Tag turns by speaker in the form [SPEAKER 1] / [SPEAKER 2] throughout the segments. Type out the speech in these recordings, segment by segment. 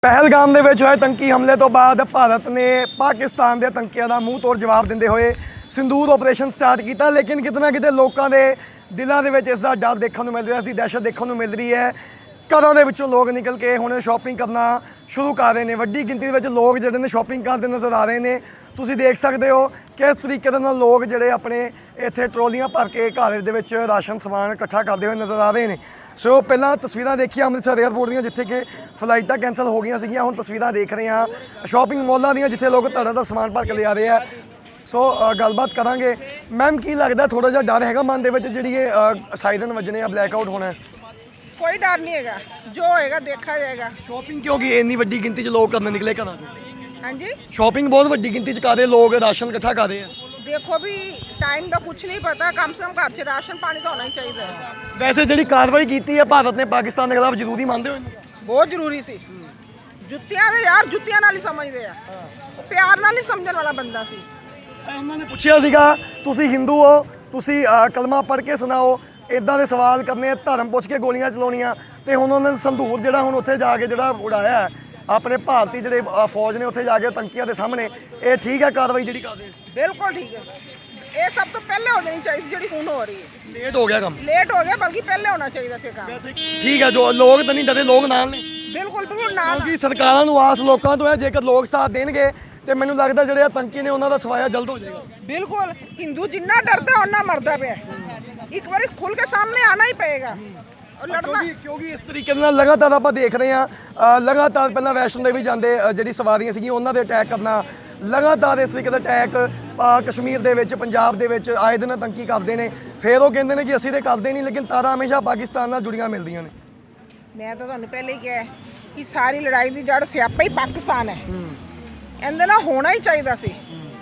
[SPEAKER 1] ਪਹਿਲਗਾਮ ਦੇ ਵਿੱਚ ਹੋਏ ਆਤੰਕੀ ਹਮਲੇ ਤੋਂ ਬਾਅਦ ਭਾਰਤ ਨੇ ਪਾਕਿਸਤਾਨ ਦੇ ਆਤੰਕੀਆਂ ਦਾ ਮੂੰਹ ਤੋੜ ਜਵਾਬ ਦਿੰਦੇ ਹੋਏ ਸਿੰਦੂਰ ਆਪਰੇਸ਼ਨ ਸਟਾਰਟ ਕੀਤਾ। ਲੇਕਿਨ ਕਿਤੇ ਨਾ ਕਿਤੇ ਲੋਕਾਂ ਦੇ ਦਿਲਾਂ ਦੇ ਵਿੱਚ ਇਸ ਦਾ ਡਰ ਦੇਖਣ ਨੂੰ ਮਿਲ ਰਿਹਾ ਸੀ, ਦਹਿਸ਼ਤ ਦੇਖਣ ਨੂੰ ਮਿਲ ਰਹੀ ਹੈ। ਘਰਾਂ ਦੇ ਵਿੱਚੋਂ ਲੋਕ ਨਿਕਲ ਕੇ ਹੁਣ ਸ਼ਾਪਿੰਗ ਕਰਨਾ ਸ਼ੁਰੂ ਕਰ ਰਹੇ ਨੇ। ਵੱਡੀ ਗਿਣਤੀ ਦੇ ਵਿੱਚ ਲੋਕ ਜਿਹੜੇ ਨੇ ਸ਼ਾਪਿੰਗ ਕਰਦੇ ਨਜ਼ਰ ਆ ਰਹੇ ਨੇ। ਤੁਸੀਂ ਦੇਖ ਸਕਦੇ ਹੋ ਕਿਸ ਤਰੀਕੇ ਦੇ ਨਾਲ ਲੋਕ ਜਿਹੜੇ ਆਪਣੇ ਇੱਥੇ ਟਰੋਲੀਆਂ ਭਰ ਕੇ ਘਰ ਦੇ ਵਿੱਚ ਰਾਸ਼ਨ ਸਮਾਨ ਇਕੱਠਾ ਕਰਦੇ ਹੋਏ ਨਜ਼ਰ ਆ ਰਹੇ ਨੇ। ਸੋ ਪਹਿਲਾਂ ਤਸਵੀਰਾਂ ਦੇਖੀਆਂ ਅੰਮ੍ਰਿਤਸਰ ਏਅਰਪੋਰਟ ਦੀਆਂ, ਜਿੱਥੇ ਕਿ ਫਲਾਈਟਾਂ ਕੈਂਸਲ ਹੋ ਗਈਆਂ ਸੀਗੀਆਂ। ਹੁਣ ਤਸਵੀਰਾਂ ਦੇਖ ਰਹੇ ਹਾਂ ਸ਼ਾਪਿੰਗ ਮਾਲਾਂ ਦੀਆਂ, ਜਿੱਥੇ ਲੋਕ ਧੜਾ ਦਾ ਸਮਾਨ ਭਰ ਕੇ ਲਿਆ ਰਹੇ ਆ। ਸੋ ਗੱਲਬਾਤ ਕਰਾਂਗੇ। ਮੈਮ, ਕੀ ਲੱਗਦਾ ਥੋੜਾ ਜਿਹਾ ਡਰ ਹੈਗਾ ਮਨ ਦੇ ਵਿੱਚ ਜਿਹੜੀ ਇਹ ਸਾਇਰਨ ਵੱਜਣੇ ਆ, ਬਲੈਕ ਆਊਟ ਹੋਣਾ?
[SPEAKER 2] कोई डर नहीं है, जो होएगा देखा जाएगा।
[SPEAKER 1] ਸ਼ਾਪਿੰਗ ਕਿਉਂਕਿ ਇੰਨੀ ਵੱਡੀ ਗਿਣਤੀ 'ਚ ਲੋਕ ਕਰਨ ਨਿਕਲੇ ਘਰਾਂ 'ਚੋਂ।
[SPEAKER 2] हाँ जी,
[SPEAKER 1] ਸ਼ਾਪਿੰਗ ਬਹੁਤ ਵੱਡੀ ਗਿਣਤੀ 'ਚ ਕਰ ਰਹੇ ਲੋਕ, ਰਾਸ਼ਨ ਇਕੱਠਾ ਕਰ ਰਹੇ ਆ।
[SPEAKER 2] देखो भी टाइम का कुछ नहीं पता, कम से कम घर से राशन पानी तो होना ही चाहिए।
[SPEAKER 1] ਵੈਸੇ ਜਿਹੜੀ ਕਾਰਵਾਈ ਕੀਤੀ ਹੈ ਭਾਰਤ ਨੇ ਪਾਕਿਸਤਾਨ ਦੇ ਖਿਲਾਫ, ਜ਼ਰੂਰੀ ਮੰਨਦੇ ਹੋ ਇਹਨੂੰ?
[SPEAKER 2] बहुत जरूरी सी। जुत्तियां दे यार, जुत्तियां नाल ही समझदे आ, प्यार नाल ही समझण वाला बंदा सी।
[SPEAKER 1] ਉਹਨਾਂ ਨੇ ਪੁੱਛਿਆ ਸੀਗਾ ਤੁਸੀਂ ਹਿੰਦੂ ਹੋ, ਤੁਸੀਂ ਕਲਮਾ ਪੜ੍ਹ ਕੇ ਸੁਣਾਓ, ਇਦਾਂ ਦੇ ਸਵਾਲ ਕਰਨੇ, ਧਰਮ ਪੁੱਛ ਕੇ ਗੋਲੀਆਂ ਚਲਾਉਣੀਆਂ। ਤੇ ਹੁਣ ਉਹਨਾਂ ਨੇ ਸੰਦੂਰ ਜਿਹੜਾ ਹੁਣ ਉੱਥੇ ਜਾ ਕੇ ਜਿਹੜਾ ਉਡਾਇਆ ਹੈ, ਆਪਣੇ ਭਾਰਤੀ ਜਿਹੜੇ ਫੌਜ ਨੇ ਉੱਥੇ ਜਾ ਕੇ ਆਤੰਕੀਆਂ ਦੇ ਸਾਹਮਣੇ, ਇਹ ਠੀਕ ਹੈ ਕਾਰਵਾਈ ਜਿਹੜੀ ਕਰਦੇ?
[SPEAKER 2] बिल्कुल ठीक है। ये सब तो पहले हो जानी चाहिए, ਜਿਹੜੀ ਹੁਣ ਹੋ ਰਹੀ ਹੈ।
[SPEAKER 1] ਲੇਟ ਹੋ ਗਿਆ ਕੰਮ।
[SPEAKER 2] लेट हो गया, बल्कि पहले होना चाहिए ਸੀ ਕੰਮ।
[SPEAKER 1] ਠੀਕ ਹੈ, ਜੋ ਲੋਕ ਤਾਂ ਨਹੀਂ ਡਰੇ, ਲੋਕ ਨਾਲ ਨੇ।
[SPEAKER 2] बिल्कुल बिल्कुल ना
[SPEAKER 1] ਕਿਉਂਕਿ ਸਰਕਾਰਾਂ ਨੂੰ ਆਸ ਲੋਕਾਂ ਤੋਂ ਹੈ, ਜੇਕਰ ਲੋਕ ਸਾਥ ਦੇਣਗੇ ਤੇ ਮੈਨੂੰ ਲੱਗਦਾ ਜਿਹੜੇ ਆਤੰਕੀ ਨੇ ਉਹਨਾਂ ਦਾ ਸਫਾਇਆ ਜਲਦ ਹੋ ਜਾਏਗਾ।
[SPEAKER 2] बिल्कुल हिंदू जिन्ना डरता है उन्ना मरदा पे। एक बार खुल के सामने आना ही पड़ेगा और लड़ना।
[SPEAKER 1] ਕਿਉਂਕਿ ਇਸ ਤਰੀਕੇ ਨਾਲ ਲਗਾਤਾਰ ਆਪਾਂ ਦੇਖ ਰਹੇ ਹਾਂ, ਲਗਾਤਾਰ ਪਹਿਲਾਂ ਵੈਸ਼ਨੋ ਦੇਵੀ ਜਾਂਦੇ ਜਿਹੜੀ ਸਵਾਰੀਆਂ ਸੀਗੀਆਂ ਉਹਨਾਂ ਦੇ ਅਟੈਕ ਕਰਨਾ, ਲਗਾਤਾਰ ਇਸ ਤਰੀਕੇ ਦਾ ਅਟੈਕ ਕਸ਼ਮੀਰ ਦੇ ਵਿੱਚ, ਪੰਜਾਬ ਦੇ ਵਿੱਚ ਆਏ ਦਿਨ ਆਤੰਕੀ ਕਰਦੇ ਨੇ। ਫਿਰ ਉਹ ਕਹਿੰਦੇ ਨੇ ਕਿ ਅਸੀਂ ਤੇ ਕਰਦੇ ਨਹੀਂ, ਲੇਕਿਨ ਤਾਰਾਂ ਹਮੇਸ਼ਾ ਪਾਕਿਸਤਾਨ ਨਾਲ ਜੁੜੀਆਂ ਮਿਲਦੀਆਂ ਨੇ।
[SPEAKER 2] ਮੈਂ ਤਾਂ ਤੁਹਾਨੂੰ ਪਹਿਲੇ ਹੀ ਕਿਹਾ ਕਿ ਸਾਰੀ ਲੜਾਈ ਦੀ ਜੜ ਸਿਆਪਾ ਹੀ ਪਾਕਿਸਤਾਨ ਹੈ। ਇਹਦੇ ਨਾਲ ਹੋਣਾ ਹੀ ਚਾਹੀਦਾ ਸੀ।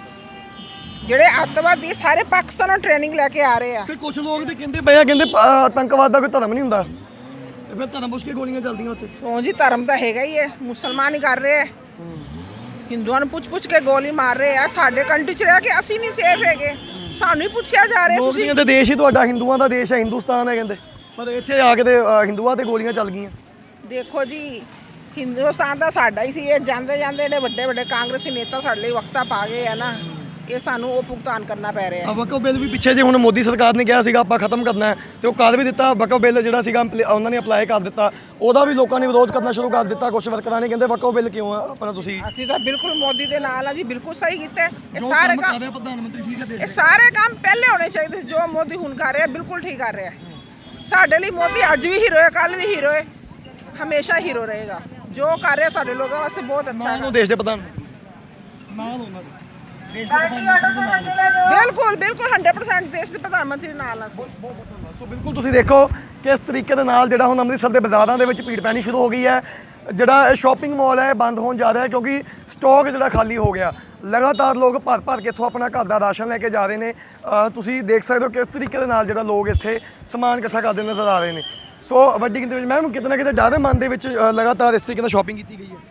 [SPEAKER 2] ਜਿਹੜੇ ਅੱਤਵਾਦੀ ਸਾਰੇ ਪਾਕਿਸਤਾਨੋਂ ਟ੍ਰੇਨਿੰਗ ਲੈ ਕੇ ਆ ਰਹੇ ਆ।
[SPEAKER 1] ਤੇ ਕੁਝ ਲੋਕ ਤੇ ਕਹਿੰਦੇ ਪਏ ਆ, ਕਹਿੰਦੇ ਆਤੰਕਵਾਦ ਦਾ ਕੋਈ ਧਰਮ ਨਹੀਂ ਹੁੰਦਾ, ਤੇ ਫਿਰ ਧਰਮ ਪੁੱਛ ਕੇ ਗੋਲੀਆਂ ਚੱਲਦੀਆਂ ਉੱਥੇ।
[SPEAKER 2] ਕਿਉਂ ਜੀ, ਧਰਮ ਤਾਂ ਹੈਗਾ ਹੀ ਹੈ। ਮੁਸਲਮਾਨ ਹੀ ਕਰ ਰਹੇ ਆ, ਹਿੰਦੂਆਂ ਨੂੰ ਪੁੱਛ ਕੇ ਗੋਲੀ ਮਾਰ ਰਹੇ ਆ। ਸਾਡੇ ਕੰਟਰੀ 'ਚ ਰਹਿ ਕੇ ਅਸੀਂ ਨਹੀਂ ਸੇਫ ਹੈਗੇ, ਸਾਨੂੰ ਹੀ ਪੁੱਛਿਆ ਜਾ ਰਿਹਾ।
[SPEAKER 1] ਤੁਸੀਂ ਕਹਿੰਦੇ ਦੇਸ਼ ਹੀ ਤੁਹਾਡਾ ਹਿੰਦੂਆਂ ਦਾ ਦੇਸ਼ ਹੈ, ਹਿੰਦੁਸਤਾਨ ਹੈ ਕਹਿੰਦੇ, ਪਰ ਇੱਥੇ ਆ ਕੇ ਤੇ ਹਿੰਦੂਆਂ ਤੇ ਗੋਲੀਆਂ ਚੱਲ ਗਈਆਂ।
[SPEAKER 2] ਦੇਖੋ ਜੀ, ਹਿੰਦੁਸਤਾਨ ਤਾਂ ਸਾਡਾ ਹੀ ਸੀ। ਇਹ ਜਾਂਦੇ ਜਾਂਦੇ ਜਿਹੜੇ ਵੱਡੇ ਵੱਡੇ ਕਾਂਗਰਸੀ ਨੇਤਾ ਸਾਡੇ ਲਈ ਵਕਤਾਂ ਪਾ ਗਏ ਆ ਨਾ, ਇਹ ਸਾਨੂੰ ਉਹ ਭੁਗਤਾਨ ਕਰਨਾ ਪੈ ਰਿਹਾ।
[SPEAKER 1] ਵਕਫ ਬਿੱਲ ਵੀ ਪਿੱਛੇ ਜੇ ਹੁਣ ਮੋਦੀ ਸਰਕਾਰ ਨੇ ਕਿਹਾ ਸੀਗਾ ਆਪਾਂ ਖਤਮ ਕਰਨਾ ਹੈ, ਤੇ ਉਹ ਕਰ ਵੀ ਦਿੱਤਾ। ਵਕਫ ਬਿੱਲ ਜਿਹੜਾ ਸੀਗਾ ਉਹਨਾਂ ਨੇ ਅਪਲਾਈ ਕਰ ਦਿੱਤਾ, ਉਹਦਾ ਵੀ ਲੋਕਾਂ ਨੇ ਵਿਰੋਧ ਕਰਨਾ ਸ਼ੁਰੂ ਕਰ ਦਿੱਤਾ। ਕੁਝ ਵਰਕਰਾਂ ਨੇ ਕਹਿੰਦੇ ਵਕਫ ਬਿੱਲ ਕਿਉਂ ਆ ਆਪਣਾ? ਤੁਸੀਂ
[SPEAKER 2] ਅਸੀਂ ਤਾਂ ਬਿਲਕੁਲ ਮੋਦੀ ਦੇ ਨਾਲ ਆ ਜੀ, ਬਿਲਕੁਲ ਸਹੀ ਕੀਤਾ। ਇਹ ਸਾਰੇ ਕੰਮ
[SPEAKER 1] ਪ੍ਰਧਾਨ ਮੰਤਰੀ ਠੀਕ ਹੈ,
[SPEAKER 2] ਇਹ ਸਾਰੇ ਕੰਮ ਪਹਿਲੇ ਹੋਣੇ ਚਾਹੀਦੇ ਸੀ। ਜੋ ਮੋਦੀ ਹੁਣ ਕਰ ਰਿਹਾ ਬਿਲਕੁਲ ਠੀਕ ਕਰ ਰਿਹਾ। ਸਾਡੇ ਲਈ ਮੋਦੀ ਅੱਜ ਵੀ ਹੀਰੋ ਹੈ, ਕੱਲ ਵੀ ਹੀਰੋ ਹੈ, ਹਮੇਸ਼ਾ ਹੀਰੋ ਰਹੇਗਾ। ਜੋ ਕਰ ਰਿਹਾ ਸਾਡੇ ਲੋਕਾਂ ਵਾਸਤੇ ਬਹੁਤ ਅੱਛਾ ਹੈ।
[SPEAKER 1] ਦੇਸ਼ ਦੇ ਪ੍ਰਧਾਨ ਨਾਲ ਉਹਨਾਂ ਦੇ ਦੇਸ਼ ਦੇ ਪ੍ਰਧਾਨ ਮੰਤਰੀ ਦੇ ਨਾਲ
[SPEAKER 2] ਬਿਲਕੁਲ ਬਿਲਕੁਲ 100% ਦੇਸ਼ ਦੇ ਪ੍ਰਧਾਨ ਮੰਤਰੀ ਨਾਲ ਆ।
[SPEAKER 1] ਸੋ ਬਿਲਕੁਲ ਤੁਸੀਂ ਦੇਖੋ ਕਿਸ ਤਰੀਕੇ ਦੇ ਨਾਲ ਜਿਹੜਾ ਹੁਣ ਅੰਮ੍ਰਿਤਸਰ ਦੇ ਬਾਜ਼ਾਰਾਂ ਦੇ ਵਿੱਚ ਭੀੜ ਪੈਣੀ ਸ਼ੁਰੂ ਹੋ ਗਈ ਹੈ। ਜਿਹੜਾ ਸ਼ਾਪਿੰਗ ਮਾਲ ਹੈ ਬੰਦ ਹੋਣ ਜਾ ਰਿਹਾ, ਕਿਉਂਕਿ ਸਟਾਕ ਜਿਹੜਾ ਖਾਲੀ ਹੋ ਗਿਆ। ਲਗਾਤਾਰ ਲੋਕ ਭਰ ਭਰ ਕੇ ਇੱਥੋਂ ਆਪਣਾ ਘਰ ਦਾ ਰਾਸ਼ਨ ਲੈ ਕੇ ਜਾ ਰਹੇ ਨੇ। ਤੁਸੀਂ ਦੇਖ ਸਕਦੇ ਹੋ ਕਿਸ ਤਰੀਕੇ ਦੇ ਨਾਲ ਜਿਹੜਾ ਲੋਕ ਇੱਥੇ ਸਮਾਨ ਇਕੱਠਾ ਕਰਦੇ ਨਜ਼ਰ ਆ ਰਹੇ ਨੇ। ਸੋ ਵੱਡੀ ਗਿਣਤੀ ਵਿੱਚ ਮੈਮ ਕਿਤੇ ਨਾ ਕਿਤੇ ਡਰ ਮਨ ਦੇ ਵਿੱਚ ਲਗਾਤਾਰ ਇਸ ਤਰੀਕੇ ਨਾਲ ਸ਼ਾਪਿੰਗ ਕੀਤੀ ਗਈ ਹੈ।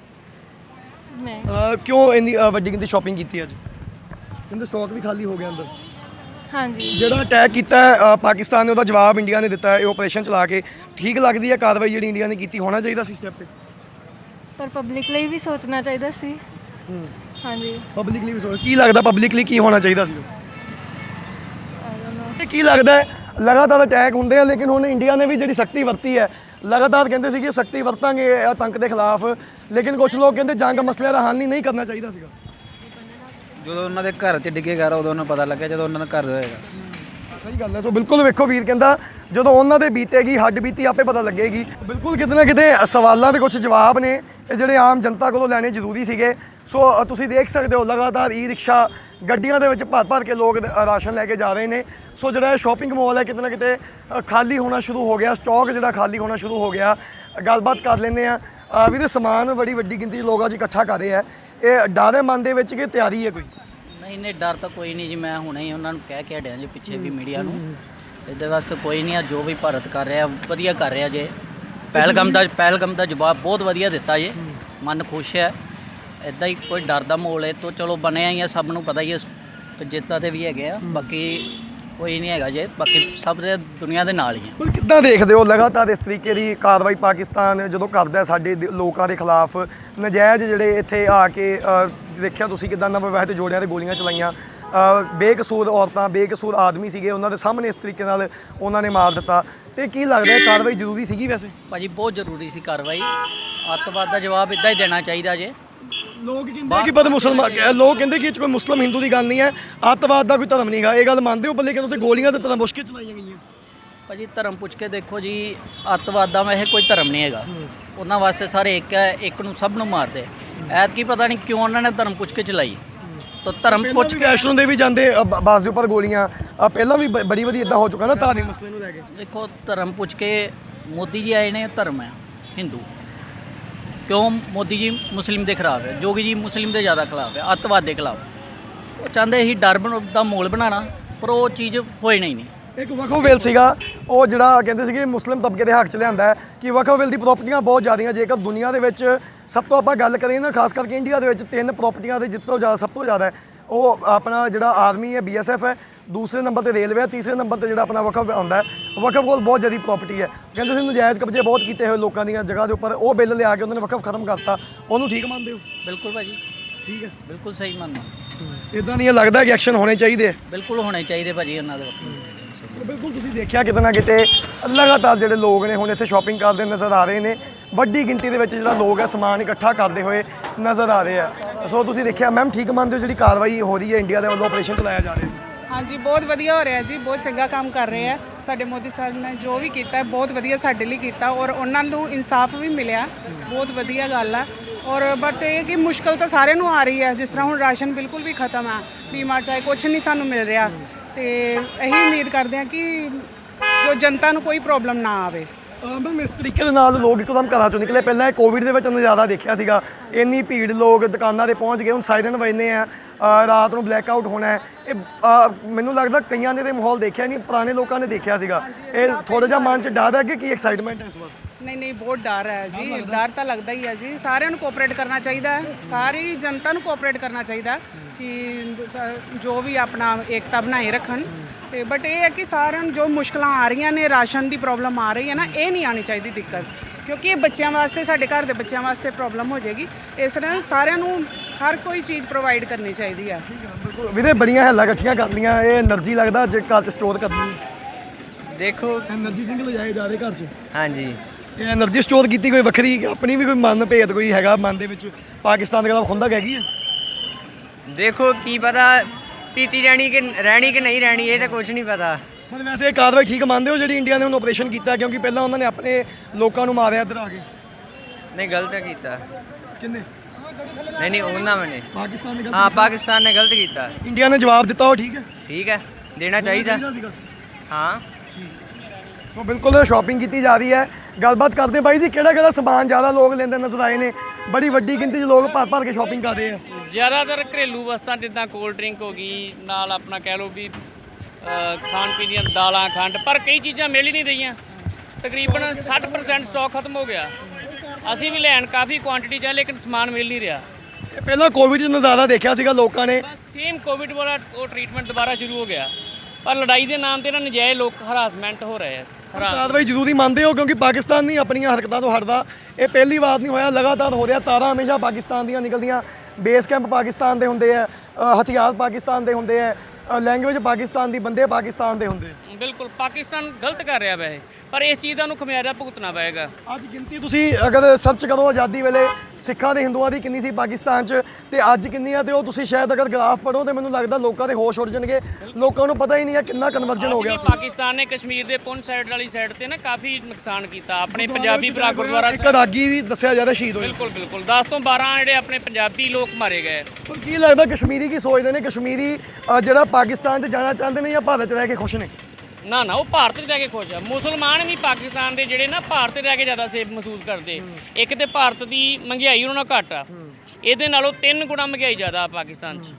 [SPEAKER 1] ਕਿਉਂ ਇੰਨੀ ਵੱਡੀ ਗਿਣਤੀ ਸ਼ਾਪਿੰਗ ਕੀਤੀ ਅੱਜ? ਕਹਿੰਦੇ ਸਟਾਕ ਵੀ ਖਾਲੀ ਹੋ ਗਿਆ ਅੰਦਰ।
[SPEAKER 3] ਹਾਂਜੀ,
[SPEAKER 1] ਜਿਹੜਾ ਅਟੈਕ ਕੀਤਾ ਹੈ ਪਾਕਿਸਤਾਨ ਨੇ, ਉਹਦਾ ਜਵਾਬ ਇੰਡੀਆ ਨੇ ਦਿੱਤਾ ਹੈ ਇਹ ਆਪਰੇਸ਼ਨ ਚਲਾ ਕੇ। ਠੀਕ ਲੱਗਦੀ ਹੈ ਕਾਰਵਾਈ ਜਿਹੜੀ ਇੰਡੀਆ ਨੇ ਕੀਤੀ? ਹੋਣਾ ਚਾਹੀਦਾ ਸੀ ਸਟੈਪ ਤੇ,
[SPEAKER 3] ਪਰ ਪਬਲਿਕ ਲਈ ਵੀ ਸੋਚਣਾ ਚਾਹੀਦਾ ਸੀ। ਹਾਂਜੀ,
[SPEAKER 1] ਪਬਲਿਕਲੀ ਵੀ ਸੋਚ। ਕੀ ਲੱਗਦਾ ਪਬਲਿਕਲੀ ਕੀ ਹੋਣਾ ਚਾਹੀਦਾ ਸੀ?
[SPEAKER 3] I don't know.
[SPEAKER 1] ਤੇ ਕੀ ਲੱਗਦਾ ਹੈ ਲਗਾਤਾਰ ਅਟੈਕ ਹੁੰਦੇ ਆ, ਲੇਕਿਨ ਹੁਣ ਇੰਡੀਆ ਨੇ ਵੀ ਜਿਹੜੀ ਸਖਤੀ ਵਰਤੀ ਹੈ, ਲਗਾਤਾਰ ਕਹਿੰਦੇ ਸੀ ਕਿ ਸਖਤੀ ਵਰਤਾਂਗੇ ਆਤੰਕ ਦੇ ਖਿਲਾਫ, ਲੇਕਿਨ ਕੁਝ ਲੋਕ ਕਹਿੰਦੇ ਜੰਗ ਮਸਲੇ ਦਾ ਹੱਲ ਨਹੀਂ ਕਰਨਾ ਚਾਹੀਦਾ ਸੀਗਾ।
[SPEAKER 4] ਜਦੋਂ ਉਹਨਾਂ ਦੇ ਘਰ 'ਚ ਡਿੱਗੇਗਾ ਉਦੋਂ ਉਹਨਾਂ ਨੂੰ ਪਤਾ ਲੱਗਿਆ, ਜਦੋਂ ਉਹਨਾਂ ਦਾ ਘਰ ਹੋਏਗਾ।
[SPEAKER 1] ਸਹੀ ਗੱਲ ਹੈ। ਸੋ ਬਿਲਕੁਲ ਵੇਖੋ ਵੀਰ ਕਹਿੰਦਾ ਜਦੋਂ ਉਹਨਾਂ ਦੇ ਬੀਤੇਗੀ ਹੱਡ ਬੀਤੀ ਆਪੇ ਪਤਾ ਲੱਗੇਗੀ। ਬਿਲਕੁਲ ਕਿਤੇ ਨਾ ਕਿਤੇ ਸਵਾਲਾਂ ਦੇ ਕੁਝ ਜਵਾਬ ਨੇ ਇਹ ਜਿਹੜੇ ਆਮ ਜਨਤਾ ਕੋਲੋਂ ਲੈਣੇ ਜ਼ਰੂਰੀ ਸੀਗੇ। ਸੋ ਤੁਸੀਂ ਦੇਖ ਸਕਦੇ ਹੋ ਲਗਾਤਾਰ ਈ ਰਿਕਸ਼ਾ ਗੱਡੀਆਂ ਦੇ ਵਿੱਚ ਭਰ ਭਰ ਕੇ ਲੋਕ ਰਾਸ਼ਨ ਲੈ ਕੇ ਜਾ ਰਹੇ ਨੇ। ਸੋ ਜਿਹੜਾ ਸ਼ਾਪਿੰਗ ਮਾਲ ਹੈ ਕਿਤੇ ਨਾ ਕਿਤੇ ਖਾਲੀ ਹੋਣਾ ਸ਼ੁਰੂ ਹੋ ਗਿਆ, ਸਟਾਕ ਜਿਹੜਾ ਖਾਲੀ ਹੋਣਾ ਸ਼ੁਰੂ ਹੋ ਗਿਆ। ਗੱਲਬਾਤ ਕਰ ਲੈਂਦੇ ਆ ਵੀ ਸਮਾਨ ਬੜੀ ਵੱਡੀ ਗਿਣਤੀ 'ਚ ਲੋਕ ਅੱਜ ਇਕੱਠਾ ਕਰ ਰਹੇ ਆ। ਇਹ ਡਰ ਹੈ ਮਨ ਦੇ ਵਿੱਚ ਕਿ ਤਿਆਰੀ ਹੈ ਕੋਈ?
[SPEAKER 5] ਨਹੀਂ ਡਰ ਤਾਂ ਕੋਈ ਨਹੀਂ ਜੀ। ਮੈਂ ਹੁਣੇ ਹੀ ਉਹਨਾਂ ਨੂੰ ਕਹਿ ਕੇ ਹਟਿਆ ਜੀ ਪਿੱਛੇ ਵੀ ਮੀਡੀਆ ਨੂੰ, ਇਹਦੇ ਵਾਸਤੇ ਕੋਈ ਨਹੀਂ ਆ। ਜੋ ਵੀ ਭਾਰਤ ਕਰ ਰਿਹਾ ਵਧੀਆ ਕਰ ਰਿਹਾ ਜੇ। ਪਹਿਲਗਾਮ ਦਾ ਜਵਾਬ ਬਹੁਤ ਵਧੀਆ ਦਿੱਤਾ ਜੇ, ਮਨ ਖੁਸ਼ ਹੈ। ਇੱਦਾਂ ਹੀ ਕੋਈ ਡਰ ਦਾ ਮਾਹੌਲ ਹੈ ਤਾਂ ਚਲੋ ਬਣਿਆ ਹੀ ਆ, ਸਭ ਨੂੰ ਪਤਾ ਹੀ ਹੈ। ਜਿੱਦਾਂ ਦੇ ਵੀ ਹੈਗੇ ਆ, ਬਾਕੀ ਕੋਈ ਨਹੀਂ ਹੈਗਾ ਜੇ, ਬਾਕੀ ਸਭ ਦੇ ਦੁਨੀਆ ਦੇ ਨਾਲ ਹੀ ਆ।
[SPEAKER 1] ਪਰ ਕਿੱਦਾਂ ਦੇਖਦੇ ਹੋ ਲਗਾਤਾਰ ਇਸ ਤਰੀਕੇ ਦੀ ਕਾਰਵਾਈ ਪਾਕਿਸਤਾਨ ਜਦੋਂ ਕਰਦਾ ਹੈ ਸਾਡੇ ਲੋਕਾਂ ਦੇ ਖਿਲਾਫ, ਨਜਾਇਜ਼ ਜਿਹੜੇ ਇੱਥੇ ਆ ਕੇ ਦੇਖਿਆ ਤੁਸੀਂ ਕਿੱਦਾਂ ਨਵੇਂ ਵਿਆਹ ਤੇ ਜੋੜਿਆਂ ਤੇ ਗੋਲੀਆਂ ਚਲਾਈਆਂ, ਬੇਕਸੂਰ ਔਰਤਾਂ ਬੇਕਸੂਰ ਆਦਮੀ ਸੀਗੇ ਉਹਨਾਂ ਦੇ ਸਾਹਮਣੇ ਇਸ ਤਰੀਕੇ ਨਾਲ ਉਹਨਾਂ ਨੇ ਮਾਰ ਦਿੱਤਾ, ਤੇ ਕੀ ਲੱਗਦਾ ਹੈ ਕਾਰਵਾਈ ਜ਼ਰੂਰੀ ਸੀਗੀ ਵੈਸੇ?
[SPEAKER 5] ਭਾਜੀ ਬਹੁਤ ਜ਼ਰੂਰੀ ਸੀ ਕਾਰਵਾਈ, ਅੱਤਵਾਦ ਦਾ ਜਵਾਬ ਇੱਦਾਂ ਹੀ ਦੇਣਾ ਚਾਹੀਦਾ ਜੇ।
[SPEAKER 1] ਲੋਕ ਕਹਿੰਦੇ ਕਿ ਪਰ ਮੁਸਲਮਾਨ ਲੋਕ ਕਹਿੰਦੇ ਕਿ ਇਹ 'ਚ ਕੋਈ ਮੁਸਲਮ ਹਿੰਦੂ ਦੀ ਗੱਲ ਨਹੀਂ ਹੈ, ਅੱਤਵਾਦ ਦਾ ਕੋਈ ਧਰਮ ਨਹੀਂ ਹੈਗਾ, ਇਹ ਗੱਲ ਮੰਨਦੇ ਹੋ? ਪਰ ਲੇਕਿਨ ਉੱਥੇ ਗੋਲੀਆਂ ਤੇ ਤਰ੍ਹਾਂ ਮੁਸ਼ਕਿਲ ਚਲਾਈਆਂ ਗਈਆਂ।
[SPEAKER 5] ਭਾਜੀ ਧਰਮ ਪੁੱਛ ਕੇ ਦੇਖੋ ਜੀ, ਅੱਤਵਾਦ ਦਾ ਇਹ ਕੋਈ ਧਰਮ ਨਹੀਂ ਹੈਗਾ, ਉਹਨਾਂ ਵਾਸਤੇ ਸਾਰੇ ਇੱਕ ਹੈ, ਇੱਕ ਨੂੰ ਸਭ ਨੂੰ ਮਾਰਦੇ। ਐਤਕੀ ਪਤਾ ਨਹੀਂ ਕਿਉਂ ਉਹਨਾਂ ਨੇ ਧਰਮ ਪੁੱਛ ਕੇ ਚਲਾਈ, ਤਾਂ ਧਰਮ ਪੁੱਛ ਕੇ
[SPEAKER 1] ਵੈਸ਼ਨੋ ਦੇਵੀ ਜਾਂਦੇ ਬਾਸ ਦੇ ਉੱਪਰ ਗੋਲੀਆਂ ਪਹਿਲਾਂ ਵੀ ਬੜੀ ਵਧੀਆ ਇਦਾਂ ਹੋ ਚੁੱਕਾ ਨਾ ਧਾਰਮਿਕ ਮਸਲੇ ਨੂੰ ਲੈ ਕੇ।
[SPEAKER 5] ਦੇਖੋ ਧਰਮ ਪੁੱਛ ਕੇ ਮੋਦੀ ਜੀ ਆਏ ਨੇ, ਧਰਮ ਹੈ ਹਿੰਦੂ, ਕਿਉਂ ਮੋਦੀ ਜੀ ਮੁਸਲਿਮ ਦੇ ਖਿਲਾਫ ਹੈ, ਜੋਗੀ ਜੀ ਮੁਸਲਿਮ ਦੇ ਜ਼ਿਆਦਾ ਖਿਲਾਫ ਹੈ, ਅੱਤਵਾਦ ਦੇ ਖਿਲਾਫ। ਉਹ ਚਾਹੁੰਦੇ ਸੀ ਡਰ ਦਾ ਮਾਹੌਲ ਬਣਾਉਣਾ, ਪਰ ਉਹ ਚੀਜ਼ ਹੋਈ ਨਹੀਂ।
[SPEAKER 1] ਇੱਕ ਵਕਫ ਸੀਗਾ ਉਹ ਜਿਹੜਾ ਕਹਿੰਦੇ ਸੀਗੇ ਮੁਸਲਿਮ ਤਬਕੇ ਦੇ ਹੱਕ 'ਚ ਲਿਆਂਦਾ ਹੈ ਕਿ ਵਕਫ ਦੀ ਪ੍ਰਾਪਰਟੀਆਂ ਬਹੁਤ ਜ਼ਿਆਦੀਆਂ, ਜੇਕਰ ਦੁਨੀਆ ਦੇ ਵਿੱਚ ਸਭ ਤੋਂ ਆਪਾਂ ਗੱਲ ਕਰੀਏ ਨਾ, ਖਾਸ ਕਰਕੇ ਇੰਡੀਆ ਦੇ ਵਿੱਚ 3 ਪ੍ਰਾਪਰਟੀਆਂ ਦੇ ਜਿੱਤੋਂ ਜ਼ਿਆਦਾ ਸਭ ਤੋਂ ਜ਼ਿਆਦਾ ਹੈ ਉਹ ਆਪਣਾ ਜਿਹੜਾ ਆਰਮੀ ਹੈ BSF ਹੈ, ਦੂਸਰੇ ਨੰਬਰ ਤੇ ਰੇਲਵੇ ਹੈ, ਤੀਸਰੇ ਨੰਬਰ ਤੇ ਜਿਹੜਾ ਆਪਣਾ ਵਕਫ ਆਉਂਦਾ ਹੈ। ਵਕਫ ਕੋਲ ਬਹੁਤ ਜ਼ਿਆਦਾ ਪ੍ਰਾਪਰਟੀ ਹੈ, ਕਹਿੰਦੇ ਸੀ ਨਜਾਇਜ਼ ਕਬਜ਼ੇ ਬਹੁਤ ਕੀਤੇ ਹੋਏ ਲੋਕਾਂ ਦੀਆਂ ਜਗ੍ਹਾ ਦੇ ਉੱਪਰ, ਉਹ ਬਿੱਲ ਲਿਆ ਕੇ ਉਹਨਾਂ ਨੇ ਵਕਫ ਖਤਮ ਕਰਤਾ, ਉਹਨੂੰ ਠੀਕ ਮੰਨਦੇ ਹੋ?
[SPEAKER 5] ਬਿਲਕੁਲ ਭਾਜੀ,
[SPEAKER 1] ਠੀਕ ਹੈ,
[SPEAKER 5] ਬਿਲਕੁਲ ਸਹੀ ਮੰਨਦਾ।
[SPEAKER 1] ਇਦਾਂ ਨਹੀਂ ਲੱਗਦਾ ਕਿ ਐਕਸ਼ਨ ਹੋਣੇ ਚਾਹੀਦੇ ਹੈ?
[SPEAKER 5] ਬਿਲਕੁਲ ਹੋਣੇ ਚਾਹੀਦੇ ਭਾਜੀ ਉਹਨਾਂ ਦੇ ਵਕਤ।
[SPEAKER 1] ਬਿਲਕੁਲ ਤੁਸੀਂ ਦੇਖਿਆ ਕਿਤੇ ਨਾ ਕਿਤੇ ਲਗਾਤਾਰ ਜਿਹੜੇ ਲੋਕ ਨੇ ਹੁਣ ਇੱਥੇ ਸ਼ਾਪਿੰਗ ਕਰਦੇ ਨਜ਼ਰ ਆ ਰਹੇ ਨੇ, ਵੱਡੀ ਗਿਣਤੀ ਦੇ ਵਿੱਚ ਜਿਹੜਾ ਲੋਕ ਹੈ ਸਮਾਨ ਇਕੱਠਾ ਕਰਦੇ ਹੋਏ ਨਜ਼ਰ ਆ ਰਹੇ ਆ। ਸੋ ਤੁਸੀਂ ਦੇਖਿਆ ਮੈਮ, ਠੀਕ ਮੰਨਦੇ ਹੋ ਜਿਹੜੀ ਕਾਰਵਾਈ ਹੋ ਰਹੀ ਹੈ ਇੰਡੀਆ ਦੇ ਵੱਲੋਂ ਆਪਰੇਸ਼ਨ ਚਲਾਇਆ ਜਾ ਰਿਹਾ?
[SPEAKER 6] ਹਾਂਜੀ ਬਹੁਤ ਵਧੀਆ ਹੋ ਰਿਹਾ ਜੀ, ਬਹੁਤ ਚੰਗਾ ਕੰਮ ਕਰ ਰਹੇ ਆ ਸਾਡੇ ਮੋਦੀ ਸਾਹਿਬ ਨੇ, ਜੋ ਵੀ ਕੀਤਾ ਬਹੁਤ ਵਧੀਆ ਸਾਡੇ ਲਈ ਕੀਤਾ, ਔਰ ਉਹਨਾਂ ਨੂੰ ਇਨਸਾਫ ਵੀ ਮਿਲਿਆ, ਬਹੁਤ ਵਧੀਆ ਗੱਲ ਆ। ਔਰ ਬਟ ਇਹ ਕਿ ਮੁਸ਼ਕਲ ਤਾਂ ਸਾਰਿਆਂ ਨੂੰ ਆ ਰਹੀ ਹੈ, ਜਿਸ ਤਰ੍ਹਾਂ ਹੁਣ ਰਾਸ਼ਨ ਬਿਲਕੁਲ ਵੀ ਖਤਮ ਆ, ਬੀਮਾ ਚਾਹੇ ਕੁਛ ਨਹੀਂ ਸਾਨੂੰ ਮਿਲ ਰਿਹਾ, ਤੇ ਇਹੀ ਉਮੀਦ ਕਰਦੇ ਹਾਂ ਕਿ ਜੋ ਜਨਤਾ ਨੂੰ ਕੋਈ ਪ੍ਰੋਬਲਮ ਨਾ ਆਵੇ।
[SPEAKER 1] ਮੈਮ ਇਸ ਤਰੀਕੇ ਦੇ ਨਾਲ ਲੋਕ ਇੱਕਦਮ ਘਰਾਂ ਚੋਂ ਨਿਕਲੇ, ਪਹਿਲਾਂ ਇਹ ਕੋਵਿਡ ਦੇ ਵਿੱਚ ਨਜ਼ਾਰਾ ਦੇਖਿਆ ਸੀਗਾ, ਇੰਨੀ ਭੀੜ, ਲੋਕ ਦੁਕਾਨਾਂ 'ਤੇ ਪਹੁੰਚ ਗਏ, ਹੁਣ ਸਾਇਰਨ ਵੱਜਣੇ ਆ, ਰਾਤ ਨੂੰ ਬਲੈਕ ਆਊਟ ਹੋਣਾ ਹੈ। ਇਹ ਮੈਨੂੰ ਲੱਗਦਾ ਕਈਆਂ ਨੇ ਤੇ ਮਾਹੌਲ ਦੇਖਿਆ ਨਹੀਂ, ਪੁਰਾਣੇ ਲੋਕਾਂ ਨੇ ਦੇਖਿਆ ਸੀਗਾ, ਇਹ ਥੋੜਾ ਜਿਹਾ ਮਨ 'ਚ ਡਰ ਹੈ ਕਿ ਕੀ ਐਕਸਾਈਟਮੈਂਟ ਹੈ ਇਸ ਵਾਰ?
[SPEAKER 6] ਨਹੀਂ ਬਹੁਤ ਡਰ ਹੈ ਜੀ, ਡਰ ਤਾਂ ਲੱਗਦਾ ਹੀ ਹੈ ਜੀ, ਸਾਰਿਆਂ ਨੂੰ ਕੋਆਪਰੇਟ ਕਰਨਾ ਚਾਹੀਦਾ ਹੈ, ਸਾਰੀ ਜਨਤਾ ਨੂੰ ਕੋਆਪਰੇਟ ਕਰਨਾ ਚਾਹੀਦਾ ਕਿ ਜੋ ਵੀ ਆਪਣਾ ਏਕਤਾ ਬਣਾਏ ਰੱਖਣ। ਤੇ ਬਟ ਇਹ ਹੈ ਕਿ ਸਾਰਿਆਂ ਨੂੰ ਜੋ ਮੁਸ਼ਕਲਾਂ ਆ ਰਹੀਆਂ ਨੇ, ਰਾਸ਼ਨ ਦੀ ਪ੍ਰੋਬਲਮ ਆ ਰਹੀ ਹੈ ਨਾ, ਇਹ ਨਹੀਂ ਆਉਣੀ ਚਾਹੀਦੀ ਦਿੱਕਤ, ਕਿਉਂਕਿ ਇਹ ਬੱਚਿਆਂ ਵਾਸਤੇ, ਸਾਡੇ ਘਰ ਦੇ ਬੱਚਿਆਂ ਵਾਸਤੇ ਪ੍ਰੋਬਲਮ ਹੋ ਜਾਏਗੀ। ਇਸ ਤਰ੍ਹਾਂ ਸਾਰਿਆਂ ਨੂੰ ਹਰ ਕੋਈ ਚੀਜ਼ ਪ੍ਰੋਵਾਈਡ ਕਰਨੀ ਚਾਹੀਦੀ ਆ।
[SPEAKER 1] ਵੀਰੇ ਬੜੀਆਂ ਹੈਲਾਂ ਇਕੱਠੀਆਂ ਕਰ ਲਈਆਂ, ਇਹ એનર્ਜੀ ਲੱਗਦਾ ਜੇ ਘਰ 'ਚ ਸਟੋਰ ਕਰਨੀ?
[SPEAKER 7] ਦੇਖੋ
[SPEAKER 1] એનર્ਜੀ ਡਰਿੰਕ ਲਿਜਾਏ ਜਾ ਰਹੇ ਘਰ 'ਚ?
[SPEAKER 7] ਹਾਂਜੀ,
[SPEAKER 1] ਇਹ એનર્ਜੀ ਸਟੋਰ ਕੀਤੀ ਕੋਈ ਵੱਖਰੀ ਆਪਣੀ ਵੀ ਕੋਈ ਮਨ ਭੇਦ ਕੋਈ ਹੈਗਾ ਮਨ ਦੇ ਵਿੱਚ ਪਾਕਿਸਤਾਨ ਦੇ ਖਿਲਾਫ ਖੁੰਦਕ ਹੈਗੀ ਹੈ?
[SPEAKER 7] ਦੇਖੋ ਕੀ ਪਤਾ ਪੀਤੀ ਰਹਿਣੀ ਕਿ ਨਹੀਂ ਰਹਿਣੀ, ਇਹ ਤਾਂ ਕੁਝ ਨਹੀਂ ਪਤਾ।
[SPEAKER 1] ਪਰ ਵੈਸੇ ਇਹ ਕਾਰਵਾਈ ਠੀਕ ਮੰਨਦੇ ਹੋ ਜਿਹੜੀ ਇੰਡੀਆ ਨੇ ਹੁਣ ਆਪਰੇਸ਼ਨ ਕੀਤਾ, ਕਿਉਂਕਿ ਪਹਿਲਾਂ ਉਹਨਾਂ ਨੇ ਆਪਣੇ ਲੋਕਾਂ ਨੂੰ ਮਾਰਿਆ ਇੱਧਰ ਆ ਕੇ?
[SPEAKER 7] ਨਹੀਂ ਗਲਤ ਕੀਤਾ।
[SPEAKER 1] ਕਿੰਨੇ?
[SPEAKER 7] ਨਹੀਂ ਉਹਨਾਂ ਨੇ,
[SPEAKER 1] ਪਾਕਿਸਤਾਨ ਨੇ?
[SPEAKER 7] ਹਾਂ ਪਾਕਿਸਤਾਨ ਨੇ ਗਲਤ ਕੀਤਾ।
[SPEAKER 1] ਇੰਡੀਆ ਨੇ ਜਵਾਬ ਦਿੱਤਾ, ਉਹ ਠੀਕ ਹੈ?
[SPEAKER 7] ਠੀਕ ਹੈ, ਦੇਣਾ ਚਾਹੀਦਾ। ਹਾਂ
[SPEAKER 1] ਸੋ ਬਿਲਕੁਲ ਸ਼ਾਪਿੰਗ ਕੀਤੀ ਜਾ ਰਹੀ ਹੈ। ਗੱਲਬਾਤ ਕਰਦੇ ਬਾਈ ਜੀ, ਕਿਹੜਾ ਸਮਾਨ ਜ਼ਿਆਦਾ ਲੋਕ ਲੈਂਦੇ ਨਜ਼ਰ ਆਏ ਨੇ? ਬੜੀ ਵੱਡੀ ਗਿਣਤੀ 'ਚ ਲੋਕ ਭਰ ਕੇ ਸ਼ਾਪਿੰਗ ਕਰ ਰਹੇ ਆ।
[SPEAKER 8] ਜ਼ਿਆਦਾਤਰ ਘਰੇਲੂ ਵਸਤਾਂ ਜਿੱਦਾਂ ਕੋਲਡ ਡਰਿੰਕ ਹੋ ਗਈ, ਨਾਲ ਆਪਣਾ ਕਹਿ ਲਓ ਵੀ ਖਾਣ ਪੀਣ ਦੀਆਂ ਦਾਲਾਂ, ਖੰਡ, ਪਰ ਕਈ ਚੀਜ਼ਾਂ ਮਿਲ ਹੀ ਨਹੀਂ ਰਹੀਆਂ। ਤਕਰੀਬਨ 60% ਸਟਾਕ ਖਤਮ ਹੋ ਗਿਆ। ਅਸੀਂ ਵੀ ਲੈਣ ਕਾਫੀ ਕੁਆਂਟੀਟੀ 'ਚ, ਲੇਕਿਨ ਸਮਾਨ ਮਿਲ ਨਹੀਂ ਰਿਹਾ।
[SPEAKER 1] ਪਹਿਲਾਂ ਕੋਵਿਡ 'ਚ ਨਜ਼ਾਰਾ ਦੇਖਿਆ ਸੀਗਾ ਲੋਕਾਂ ਨੇ,
[SPEAKER 8] ਸੇਮ ਕੋਵਿਡ ਵਾਲਾ ਉਹ ਟ੍ਰੀਟਮੈਂਟ ਦੁਬਾਰਾ ਸ਼ੁਰੂ ਹੋ ਗਿਆ, ਪਰ ਲੜਾਈ ਦੇ ਨਾਮ ਤੇ ਨਾ ਨਜਾਇਜ਼ ਲੋਕ ਹਰਾਸਮੈਂਟ ਹੋ ਰਹੇ ਆ।
[SPEAKER 1] ਕਾਰਵਾਈ ਜ਼ਰੂਰੀ ਮੰਨਦੇ ਹੋ? ਕਿਉਂਕਿ ਪਾਕਿਸਤਾਨ ਨਹੀਂ ਆਪਣੀਆਂ ਹਰਕਤਾਂ ਤੋਂ ਹਟਦਾ, ਇਹ ਪਹਿਲੀ ਵਾਰ ਨਹੀਂ ਹੋਇਆ, ਲਗਾਤਾਰ ਹੋ ਰਿਹਾ। ਤਾਰਾਂ ਹਮੇਸ਼ਾ ਪਾਕਿਸਤਾਨ ਦੀਆਂ ਨਿਕਲਦੀਆਂ, ਬੇਸ ਕੈਂਪ ਪਾਕਿਸਤਾਨ ਦੇ ਹੁੰਦੇ ਆ, ਹਥਿਆਰ ਪਾਕਿਸਤਾਨ ਦੇ ਹੁੰਦੇ ਆ, ਲੈਂਗੁਏਜ ਪਾਕਿਸਤਾਨ ਦੀ, ਬੰਦੇ ਪਾਕਿਸਤਾਨ ਦੇ ਹੁੰਦੇ।
[SPEAKER 8] ਬਿਲਕੁਲ ਪਾਕਿਸਤਾਨ ਗਲਤ ਕਰ ਰਿਹਾ ਵੈਸੇ, ਪਰ ਇਸ ਚੀਜ਼ ਦਾ ਨੂੰ ਖਮਿਆਜ਼ਾ ਭੁਗਤਣਾ ਪਏਗਾ।
[SPEAKER 1] ਅੱਜ ਗਿਣਤੀ ਤੁਸੀਂ ਅਗਰ ਸਰਚ ਕਰੋ ਆਜ਼ਾਦੀ ਵੇਲੇ ਸਿੱਖਾਂ ਤੇ ਹਿੰਦੂਆਂ ਦੀ ਕਿੰਨੀ ਸੀ ਪਾਕਿਸਤਾਨ 'ਚ ਤੇ ਅੱਜ ਕਿੰਨੀ ਆ, ਤੇ ਉਹ ਤੁਸੀਂ ਸ਼ਾਇਦ ਅਗਰ ਗ੍ਰਾਫ ਪੜੋ ਤੇ ਮੈਨੂੰ ਲੱਗਦਾ ਲੋਕਾਂ ਦੇ ਹੋਸ਼ ਉੱਡ ਜਾਣਗੇ। ਲੋਕਾਂ ਨੂੰ ਪਤਾ ਹੀ ਨਹੀਂ ਹੈ ਕਿੰਨਾ ਕਨਵਰਜਨ ਹੋ ਗਿਆ।
[SPEAKER 8] ਪਾਕਿਸਤਾਨ ਨੇ ਕਸ਼ਮੀਰ ਦੇ ਪੁੰਛ ਸਾਈਡ ਵਾਲੀ ਸਾਈਡ ਤੇ ਨਾ ਕਾਫੀ ਨੁਕਸਾਨ ਕੀਤਾ। ਆਪਣੇ ਪੰਜਾਬੀ ਭਰਾ ਗੁਰਦੁਆਰਾ
[SPEAKER 1] ਇੱਕ ਰਾਗੀ ਵੀ ਦੱਸਿਆ ਜਾ ਰਿਹਾ ਸ਼ਹੀਦ ਹੋਏ।
[SPEAKER 8] ਬਿਲਕੁਲ 10 ਤੋਂ 12 ਜਿਹੜੇ ਆਪਣੇ ਪੰਜਾਬੀ ਲੋਕ ਮਾਰੇ ਗਏ।
[SPEAKER 1] ਪਰ ਕੀ ਲੱਗਦਾ ਕਸ਼ਮੀਰੀ ਕੀ ਸੋਚਦੇ ਨੇ? ਕਸ਼ਮੀਰੀ ਜਿਹੜਾ ਪਾਕਿਸਤਾਨ 'ਚ ਜਾਣਾ ਚਾਹੁੰਦੇ ਨੇ ਜਾਂ ਭਾਰਤ 'ਚ ਰਹਿ ਕੇ ਖੁਸ਼ ਨੇ?
[SPEAKER 8] ਨਾ ਉਹ ਭਾਰਤ 'ਚ ਰਹਿ ਕੇ ਖੁਸ਼ ਆ। ਮੁਸਲਮਾਨ ਵੀ ਪਾਕਿਸਤਾਨ ਦੇ ਜਿਹੜੇ ਨਾ ਭਾਰਤ 'ਚ ਰਹਿ ਕੇ ਜ਼ਿਆਦਾ ਸੇਫ ਮਹਿਸੂਸ ਕਰਦੇ। ਇੱਕ ਤੇ ਭਾਰਤ ਦੀ ਮਹਿੰਗਾਈ ਉਹਨਾਂ ਨਾਲ ਘੱਟ ਆ, ਇਹਦੇ ਨਾਲੋਂ 3 ਗੁਣਾ ਮਹਿੰਗਾਈ ਜ਼ਿਆਦਾ ਪਾਕਿਸਤਾਨ 'ਚ।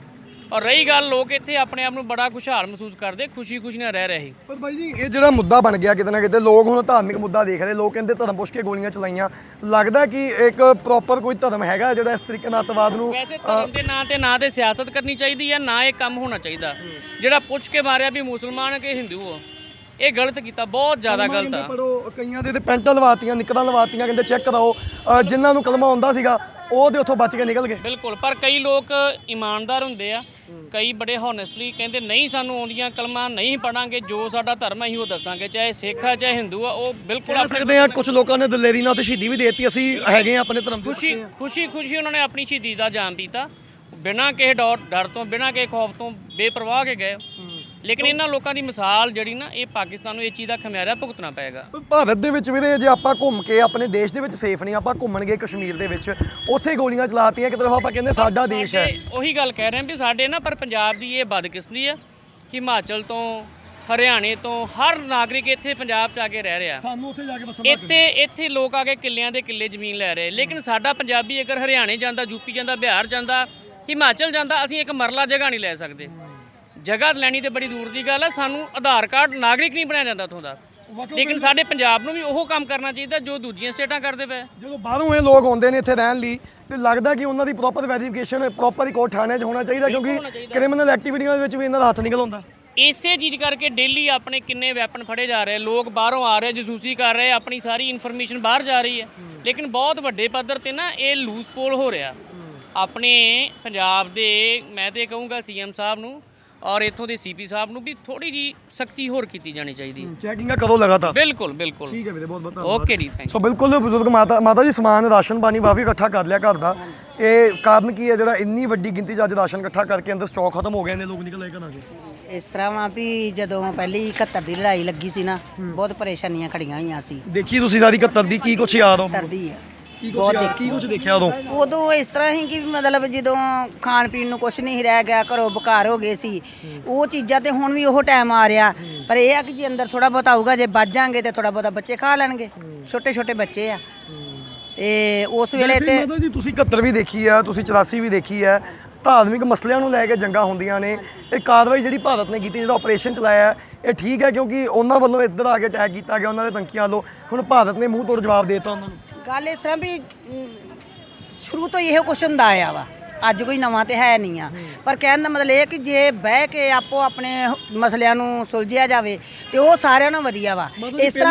[SPEAKER 8] ਔਰ ਰਹੀ ਗੱਲ, ਲੋਕ ਇੱਥੇ ਆਪਣੇ ਆਪ ਨੂੰ ਬੜਾ ਖੁਸ਼ਹਾਲ ਮਹਿਸੂਸ ਕਰਦੇ, ਖੁਸ਼ੀ ਨਾਲ ਰਹਿ ਰਹੇ ਸੀ।
[SPEAKER 1] ਪਰ ਬਾਈ ਜੀ ਇਹ ਜਿਹੜਾ ਮੁੱਦਾ ਬਣ ਗਿਆ ਕਿਤੇ ਨਾ ਕਿਤੇ, ਲੋਕ ਹੁਣ ਧਾਰਮਿਕ ਮੁੱਦਾ ਦੇਖ ਰਹੇ, ਲੋਕ ਕਹਿੰਦੇ ਧਰਮ ਪੁੱਛ ਕੇ ਗੋਲੀਆਂ ਚਲਾਈਆਂ, ਲੱਗਦਾ ਕਿ ਇੱਕ ਪ੍ਰੋਪਰ ਕੋਈ ਧਰਮ ਹੈਗਾ ਜਿਹੜਾ ਇਸ ਤਰੀਕੇ ਨਾਲ ਅੱਤਵਾਦ ਨੂੰ
[SPEAKER 8] ਵੈਸੇ ਧਰਮ ਦੇ ਨਾਂ ਤੇ ਨਾ ਤੇ ਸਿਆਸਤ ਕਰਨੀ ਚਾਹੀਦੀ ਹੈ, ਨਾ ਇਹ ਕੰਮ ਹੋਣਾ ਚਾਹੀਦਾ। ਜਿਹੜਾ ਪੁੱਛ ਕੇ ਮਾਰਿਆ ਵੀ ਮੁਸਲਮਾਨ ਕਿ ਹਿੰਦੂ ਹੋ, ਇਹ ਗਲਤ ਕੀਤਾ, ਬਹੁਤ ਜ਼ਿਆਦਾ ਗਲਤ ਆ।
[SPEAKER 1] ਪੜੋ ਕਈਆਂ ਦੇ ਤੇ ਪੈਂਟਾਂ ਲਵਾਤੀਆਂ, ਨਿੱਕਰਾਂ ਲਵਾਤੀਆਂ, ਕਹਿੰਦੇ ਚੈੱਕ ਕਰਾਓ, ਜਿਨ੍ਹਾਂ ਨੂੰ ਕਲਮਾ ਆਉਂਦਾ ਸੀਗਾ ਉਹ ਤੇ ਉੱਥੋਂ ਬਚ ਕੇ ਨਿਕਲ ਗਏ।
[SPEAKER 8] ਬਿਲਕੁਲ, ਪਰ ਕਈ ਲੋਕ ਇਮਾਨਦਾਰ ਹੁੰਦੇ ਆ, ਕਈ ਬੜੇ ਹੌਨੈਸਟਲੀ ਕਹਿੰਦੇ ਨਹੀਂ ਸਾਨੂੰ ਆਉਂਦੀਆਂ ਕਲਮਾਂ, ਨਹੀਂ ਪੜਾਂਗੇ, ਜੋ ਸਾਡਾ ਧਰਮ ਹੈ ਅਸੀਂ ਉਹ ਦੱਸਾਂਗੇ, ਚਾਹੇ ਸਿੱਖ ਆ ਚਾਹੇ ਹਿੰਦੂ ਆ, ਉਹ ਬਿਲਕੁਲ ਆਪਣੇ
[SPEAKER 1] ਸਕਦੇ ਆ। ਕੁਝ ਲੋਕਾਂ ਨੇ ਦਲੇਰੀ ਨਾਲ ਤੇ ਸ਼ਹੀਦੀ ਵੀ ਦੇਤੀ, ਅਸੀਂ ਹੈਗੇ ਆ ਆਪਣੇ ਧਰਮ ਦੇ।
[SPEAKER 8] ਖੁਸ਼ੀ ਉਹਨਾਂ ਨੇ ਆਪਣੀ ਸ਼ਹੀਦੀ ਦਾ ਜਾਮ ਪੀਤਾ, ਬਿਨਾਂ ਕਿਸੇ ਡਰ ਤੋਂ, ਬਿਨਾਂ ਕਿਸੇ ਖੌਫ ਤੋਂ, ਬੇਪਰਵਾਹ ਕੇ ਗਏ। ਲੇਕਿਨ ਇਹਨਾਂ ਲੋਕਾਂ ਦੀ ਮਿਸਾਲ ਜਿਹੜੀ ਨਾ, ਇਹ ਪਾਕਿਸਤਾਨ ਨੂੰ ਇਹ ਚੀਜ਼ ਦਾ ਖਮਿਆਰਾ ਭੁਗਤਣਾ ਪਏਗਾ।
[SPEAKER 1] ਭਾਰਤ ਦੇ ਵਿੱਚ ਵੀਰੇ ਜੇ ਆਪਾਂ ਘੁੰਮ ਕੇ ਆਪਣੇ ਦੇਸ਼ ਦੇ ਵਿੱਚ ਸੇਫ ਨਹੀਂ, ਆਪਾਂ ਘੁੰਮਣ ਗਏ ਕਸ਼ਮੀਰ ਦੇ ਵਿੱਚ, ਉੱਥੇ ਗੋਲੀਆਂ ਚਲਾਤੀਆਂ, ਇੱਕ ਤਰਫ ਆਪਾਂ ਕਹਿੰਦੇ ਸਾਡਾ ਦੇਸ਼ ਹੈ।
[SPEAKER 8] ਉਹੀ ਗੱਲ ਕਹਿ ਰਹੇ ਹਾਂ ਵੀ ਸਾਡੇ ਨਾ, ਪਰ ਪੰਜਾਬ ਦੀ ਇਹ ਬਦਕਿਸਮਤੀ ਹੈ, ਹਿਮਾਚਲ ਤੋਂ, ਹਰਿਆਣੇ ਤੋਂ ਹਰ ਨਾਗਰਿਕ ਇੱਥੇ ਪੰਜਾਬ 'ਚ ਆ ਕੇ ਰਹਿ ਰਿਹਾ।
[SPEAKER 1] ਸਾਨੂੰ ਉੱਥੇ ਜਾ ਕੇ
[SPEAKER 8] ਇੱਥੇ ਲੋਕ ਆ ਕੇ ਕਿੱਲਿਆਂ ਦੇ ਕਿੱਲੇ ਜ਼ਮੀਨ ਲੈ ਰਹੇ, ਲੇਕਿਨ ਸਾਡਾ ਪੰਜਾਬੀ ਅਗਰ ਹਰਿਆਣੇ ਜਾਂਦਾ, ਯੂਪੀ ਜਾਂਦਾ, ਬਿਹਾਰ ਜਾਂਦਾ, ਹਿਮਾਚਲ ਜਾਂਦਾ, ਅਸੀਂ ਇੱਕ ਮਰਲਾ ਜਗ੍ਹਾ ਨਹੀਂ ਲੈ ਸਕਦੇ। ਜਗ੍ਹਾ ਲੈਣੀ ਤੇ ਬੜੀ ਦੂਰ ਦੀ ਗੱਲ ਹੈ, ਸਾਨੂੰ ਆਧਾਰ ਕਾਰਡ ਨਾਗਰਿਕ ਨਹੀਂ ਬਣਾਇਆ ਜਾਂਦਾ ਉੱਥੋਂ ਦਾ। ਲੇਕਿਨ ਸਾਡੇ ਪੰਜਾਬ ਨੂੰ ਵੀ ਉਹ ਕੰਮ ਕਰਨਾ ਚਾਹੀਦਾ ਜੋ ਦੂਜੀਆਂ ਸਟੇਟਾਂ ਕਰਦੇ ਪਏ।
[SPEAKER 1] ਜਦੋਂ ਬਾਹਰੋਂ ਇਹ ਲੋਕ ਆਉਂਦੇ ਨੇ ਇੱਥੇ ਰਹਿਣ ਲਈ, ਤੇ ਲੱਗਦਾ ਕਿ ਉਹਨਾਂ ਦੀ ਪ੍ਰੋਪਰ ਵੈਰੀਫਿਕੇਸ਼ਨ ਪ੍ਰੋਪਰ ਰਿਕਾਰਡ ਥਾਣੇ 'ਚ ਹੋਣਾ ਚਾਹੀਦਾ, ਕਿਉਂਕਿ ਕ੍ਰਿਮੀਨਲ ਐਕਟੀਵਿਟੀਆਂ ਦੇ ਵਿੱਚ ਵੀ ਇਹਨਾਂ ਦਾ ਹੱਥ ਨਿਕਲ ਆਉਂਦਾ।
[SPEAKER 8] ਇਸੇ ਚੀਜ਼ ਕਰਕੇ ਡੇਲੀ ਆਪਣੇ ਕਿੰਨੇ ਵੈਪਨ ਫੜੇ ਜਾ ਰਹੇ, ਲੋਕ ਬਾਹਰੋਂ ਆ ਰਹੇ, ਜਸੂਸੀ ਕਰ ਰਹੇ, ਆਪਣੀ ਸਾਰੀ ਇਨਫੋਰਮੇਸ਼ਨ ਬਾਹਰ ਜਾ ਰਹੀ ਹੈ। ਲੇਕਿਨ ਬਹੁਤ ਵੱਡੇ ਪੱਧਰ ਤੇ ਨਾ ਇਹ ਲੂਜ਼ ਪੋਲ ਹੋ ਰਿਹਾ ਆਪਣੇ ਪੰਜਾਬ ਦੇ। ਮੈਂ ਤੇ ਕਹੂੰਗਾ ਸੀਐਮ ਸਾਹਿਬ ਨੂੰ ਔਰ ਇੱਥੋਂ ਦੇ ਸੀਪੀ ਸਾਹਿਬ ਨੂੰ ਵੀ ਥੋੜੀ ਜੀ ਸਖਤੀ ਹੋਰ ਕੀਤੀ ਜਾਣੀ ਚਾਹੀਦੀ।
[SPEAKER 1] ਚੈਕਿੰਗਾਂ ਕਰੋ ਲਗਾਤਾਰ।
[SPEAKER 8] ਬਿਲਕੁਲ
[SPEAKER 1] ਠੀਕ ਹੈ ਵੀਰੇ, ਬਹੁਤ ਬਹੁਤ
[SPEAKER 8] ਓਕੇ ਜੀ, ਥੈਂਕ
[SPEAKER 1] ਸੋ ਬਿਲਕੁਲ ਬਜ਼ੁਰਗ ਮਾਤਾ ਜੀ ਸਮਾਨ ਰਾਸ਼ਨ ਪਾਣੀ ਕਾਫੀ ਇਕੱਠਾ ਕਰ ਲਿਆ ਘਰ ਦਾ। ਇਹ ਕਾਰਨ ਕੀ ਹੈ ਜਿਹੜਾ ਇੰਨੀ ਵੱਡੀ ਗਿਣਤੀ 'ਚ ਅੱਜ ਰਾਸ਼ਨ ਇਕੱਠਾ ਕਰਕੇ ਅੰਦਰ ਸਟਾਕ ਖਤਮ ਹੋ ਗਏ ਨੇ, ਲੋਕ ਨਿਕਲ ਆਏ ਘਰਾਂ 'ਚ?
[SPEAKER 9] ਇਸ ਤਰ੍ਹਾਂ ਵਾ ਵੀ ਜਦੋਂ ਪਹਿਲੀ 71 ਦੀ ਲੜਾਈ ਲੱਗੀ ਸੀ ਨਾ, ਬਹੁਤ ਪਰੇਸ਼ਾਨੀਆਂ ਖੜੀਆਂ ਹੋਈਆਂ ਸੀ।
[SPEAKER 1] ਦੇਖੀ ਤੁਸੀਂ ਸਾਰੀ 71 ਦੀ, ਕੀ ਕੁਛ ਯਾਦ ਹੋ?
[SPEAKER 9] ਤਰਦੀ ਆ
[SPEAKER 1] ਕੀ ਕੁਛ ਦੇਖਿਆ
[SPEAKER 9] ਉਦੋਂ ਇਸ ਤਰ੍ਹਾਂ ਹੀ ਕਿ ਮਤਲਬ ਜਦੋਂ ਖਾਣ ਪੀਣ ਨੂੰ ਕੁਛ ਨਹੀਂ ਰਹਿ ਗਿਆ, ਘਰੋਂ ਬੁਕਾਰ ਹੋ ਗਏ ਸੀ, ਉਹ ਚੀਜ਼ਾਂ ਤੇ ਹੁਣ ਵੀ ਉਹ ਟਾਈਮ ਆ ਰਿਹਾ। ਪਰ ਇਹ ਆ ਕਿ ਜੇ ਅੰਦਰ ਥੋੜਾ ਬਹੁਤ ਆਊਗਾ, ਜੇ ਬਚ ਜਾਾਂਗੇ ਤੇ ਥੋੜਾ ਬਹੁਤਾ ਬੱਚੇ ਖਾ ਲੈਣਗੇ, ਛੋਟੇ ਛੋਟੇ ਬੱਚੇ ਆ। ਤੇ ਉਸ ਵੇਲੇ ਤੇ
[SPEAKER 1] ਮਾਤਾ ਜੀ ਤੁਸੀਂ 71 ਵੀ ਦੇਖੀ ਆ, ਤੁਸੀਂ 84 ਵੀ ਦੇਖੀ ਆ, ਧਾਰਮਿਕ ਮਸਲਿਆਂ ਨੂੰ ਲੈ ਕੇ ਜੰਗਾਂ ਹੁੰਦੀਆਂ ਨੇ। ਇਹ ਕਾਰਵਾਈ ਜਿਹੜੀ ਭਾਰਤ ਨੇ ਕੀਤੀ, ਜਿਹੜਾ ਆਪਰੇਸ਼ਨ ਚਲਾਇਆ, ਇਹ ਠੀਕ ਹੈ ਕਿਉਂਕਿ ਉਹਨਾਂ ਵੱਲੋਂ ਇੱਧਰ ਆ ਕੇ ਅਟੈਕ ਕੀਤਾ ਗਿਆ, ਉਹਨਾਂ ਦੇ ਤੰਕੀਆਂ ਵੱਲੋਂ। ਹੁਣ ਭਾਰਤ ਨੇ ਮੂੰਹ ਤੋੜ ਜਵਾਬ ਦੇ ਦਿੱਤਾ ਉਹਨਾਂ ਨੂੰ।
[SPEAKER 9] ਗੱਲ ਇਸ ਤਰ੍ਹਾਂ ਵੀ ਸ਼ੁਰੂ ਤੋਂ ਇਹੋ ਕੁਛ ਹੁੰਦਾ ਆਇਆ ਵਾ, ਅੱਜ ਕੋਈ ਨਵਾਂ ਤੇ ਹੈ ਨਹੀਂ ਆ। ਪਰ ਕਹਿਣ ਦਾ ਮਤਲਬ ਇਹ ਕਿ ਜੇ ਬਹਿ ਕੇ ਆਪੋ ਆਪਣੇ ਮਸਲਿਆਂ ਨੂੰ ਸੁਲਝਿਆ ਜਾਵੇ ਤੇ ਉਹ ਸਾਰਿਆਂ ਨੂੰ ਵਧੀਆ ਵਾ। ਇਸ ਤਰ੍ਹਾਂ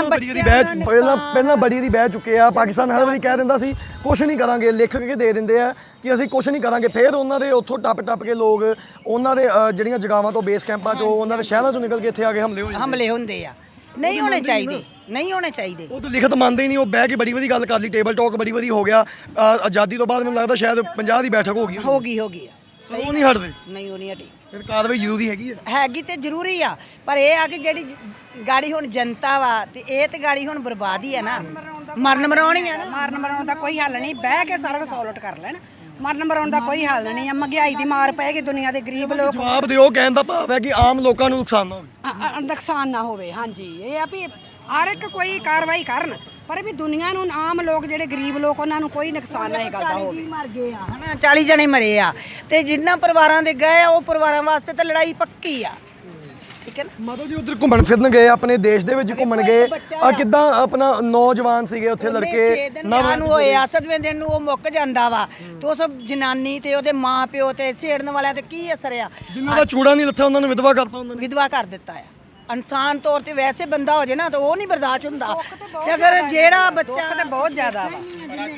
[SPEAKER 1] ਪਹਿਲਾਂ ਬੜੀ ਦੀ ਬਹਿ ਚੁੱਕੇ ਆ। ਪਾਕਿਸਤਾਨ ਹਰ ਵਾਰੀ ਕਹਿ ਦਿੰਦਾ ਸੀ ਕੁਛ ਨਹੀਂ ਕਰਾਂਗੇ, ਲਿਖ ਕੇ ਦੇ ਦਿੰਦੇ ਆ ਕਿ ਅਸੀਂ ਕੁਛ ਨਹੀਂ ਕਰਾਂਗੇ। ਫਿਰ ਉਹਨਾਂ ਦੇ ਉੱਥੋਂ ਟੱਪ ਕੇ ਲੋਕ ਉਹਨਾਂ ਦੇ ਜਿਹੜੀਆਂ ਜਗਾਵਾਂ ਤੋਂ, ਬੇਸ ਕੈਂਪਾਂ 'ਚੋਂ, ਉਹਨਾਂ ਦੇ ਸ਼ਹਿਰਾਂ 'ਚੋਂ ਨਿਕਲ ਕੇ ਇੱਥੇ ਆ ਕੇ
[SPEAKER 9] ਹਮਲੇ ਹੁੰਦੇ ਆ। ਨਹੀਂ ਹੋਣੇ ਚਾਹੀਦੇ, ਨਹੀਂ ਹੋਣੇ ਚਾਹੀਦੇ।
[SPEAKER 1] ਉਹ ਤਾਂ ਲਿਖਤ ਮੰਨਦੇ ਹੀ ਨਹੀਂ। ਉਹ ਬਹਿ ਕੇ ਬੜੀ ਵਧੀਆ ਗੱਲ ਕਰ ਲਈ, ਟੇਬਲ ਟਾਕ ਬੜੀ ਵਧੀਆ ਹੋ ਗਿਆ। ਆਜ਼ਾਦੀ ਤੋਂ ਬਾਅਦ ਮੈਨੂੰ ਲੱਗਦਾ ਸ਼ਾਇਦ 50 ਦੀ ਬੈਠਕ ਹੋ ਗਈ
[SPEAKER 9] ਆ।
[SPEAKER 1] ਉਹ ਨਹੀਂ ਹਟਦੇ।
[SPEAKER 9] ਨਹੀਂ, ਉਹ ਨਹੀਂ ਹਟੀ।
[SPEAKER 1] ਫਿਰ ਕਾਰਵਾਈ ਜ਼ਰੂਰੀ ਹੈਗੀ
[SPEAKER 9] ਤੇ ਜ਼ਰੂਰੀ ਆ। ਪਰ ਇਹ ਆ ਕਿ ਜਿਹੜੀ ਗਾੜੀ ਹੁਣ ਜਨਤਾ ਵਾ, ਤੇ ਇਹ ਤੇ ਗਾੜੀ ਹੁਣ ਬਰਬਾਦੀ ਆ ਨਾ, ਮਰਨ ਮਰਾਉਣੀ ਆ ਨਾ।
[SPEAKER 10] ਮਰਨ ਮਰਾਉਣ ਦਾ ਕੋਈ ਹੱਲ ਨਹੀਂ, ਬਹਿ ਕੇ ਸਾਰਾ ਕੁਝ ਸੌਲਟ ਕਰ ਲੈਣ। ਮਰਨ ਮਰਾਉਣ ਦਾ ਕੋਈ ਹੱਲ ਨਹੀਂ ਆ। ਮਹਿੰਗਾਈ ਦੀ ਮਾਰ ਪਏਗੀ, ਦੁਨੀਆ ਦੇ ਗਰੀਬ ਲੋਕ।
[SPEAKER 1] ਜਵਾਬ ਦਿਓ, ਕਹਿਣ ਦਾ ਭਾਵ ਹੈ ਕਿ ਆਮ ਲੋਕਾਂ ਨੂੰ
[SPEAKER 10] ਨੁਕਸਾਨ ਨਾ ਹੋਵੇ। ਹਾਂਜੀ, ਇਹ ਆ ਵੀ ਹਰ ਇੱਕ ਕੋਈ ਕਾਰਵਾਈ ਕਰਨ, ਪਰ ਵੀ ਦੁਨੀਆ ਨੂੰ, ਆਮ ਲੋਕ ਜਿਹੜੇ ਗਰੀਬ ਲੋਕ, ਉਹਨਾਂ ਨੂੰ ਕੋਈ ਨੁਕਸਾਨ ਨਾ ਇਹ ਗੱਲ ਦਾ ਹੋਵੇ।
[SPEAKER 9] ਮਰ ਗਏ ਆ ਹਨਾ, 40 ਜਣੇ ਮਰੇ ਆ, ਤੇ ਜਿੰਨਾ ਪਰਿਵਾਰਾਂ ਦੇ ਗਏ ਉਹ ਪਰਿਵਾਰਾਂ ਵਾਸਤੇ ਤਾਂ ਲੜਾਈ ਪੱਕੀ ਆ। ਠੀਕ ਹੈ ਨਾ
[SPEAKER 1] ਮਾਤਾ ਜੀ? ਉਧਰ ਘੁੰਮਣ ਫਿਰਨ ਗਏ, ਆਪਣੇ ਦੇਸ਼ ਦੇ ਵਿੱਚ ਘੁੰਮਣ ਗਏ, ਕਿੱਦਾਂ ਆਪਣਾ ਨੌਜਵਾਨ ਸੀਗੇ ਉੱਥੇ ਲੜਕੇ
[SPEAKER 9] ਨੂੰ ਹੋਏ ਆ, 7ਵੇਂ ਦਿਨ ਨੂੰ ਉਹ ਮੁੱਕ ਜਾਂਦਾ ਵਾ, ਤੇ ਉਸ ਜਨਾਨੀ ਤੇ ਉਹਦੇ ਮਾਂ ਪਿਓ ਤੇ ਛੇੜਨ ਵਾਲਿਆਂ ਤੇ ਕੀ ਅਸਰ ਆ?
[SPEAKER 1] ਜਿਨ੍ਹਾਂ ਦਾ ਚੂੜਾ ਨਹੀਂ ਲੱਥਾ ਉਹਨਾਂ ਨੂੰ ਵਿਧਵਾ ਕਰਤਾ। ਉਹਨਾਂ ਨੇ
[SPEAKER 9] ਵਿਧਵਾ ਕਰ ਦਿੱਤਾ ਆ। ਇਨਸਾਨ ਤੌਰ ਤੇ ਵੈਸੇ ਬੰਦਾ ਹੋ ਜੇ ਨਾ ਤਾਂ ਉਹ ਨਹੀਂ ਬਰਦਾਸ਼ਤ ਹੁੰਦਾ। ਤੇ ਅਗਰ ਜਿਹੜਾ ਬੱਚਾ
[SPEAKER 10] ਤੇ ਬਹੁਤ ਜ਼ਿਆਦਾ ਵਾ,